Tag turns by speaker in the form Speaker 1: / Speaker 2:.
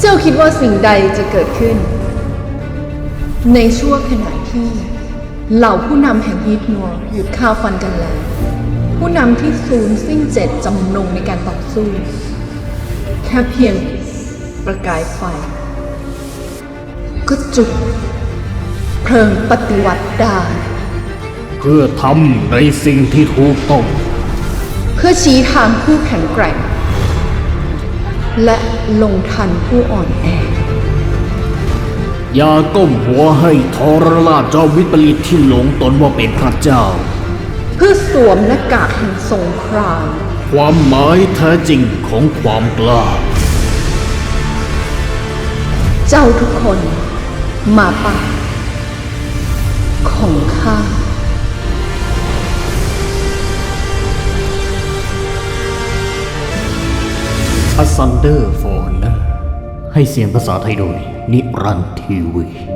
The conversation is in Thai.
Speaker 1: เจ้าคิดว่าสิ่งใดจะเกิดขึ้นในช่วงขณะที่เหล่าผู้นำแห่งฮีทนัวหยุดฆ่าฟันกันแล้วผู้นำที่สูญสิ้นเจตจำนงในการต่อสู้แค่เพียงประกายไฟก็จุดเพลิงปฏิวัติได้
Speaker 2: เพื่อทำในสิ่งที่ถูกต้อง
Speaker 1: เพื่อชี้ทางผู้แข็งแกร่งและลงทันผู้อ่อนแอ
Speaker 2: อย่าก้มหัวให้ทรราชจอมวิปริตที่หลงตนว่าเป็นพระเจ้า
Speaker 1: เพื่อสวมหน้ากากแห่งสงคราม
Speaker 2: ความหมายแท้จริงของความกล้า
Speaker 1: เจ้าทุกคนมาป่าของข้า
Speaker 2: Asunder for Honor ให้เสียงภาษาไทยโดยนิรันดร์ทีวี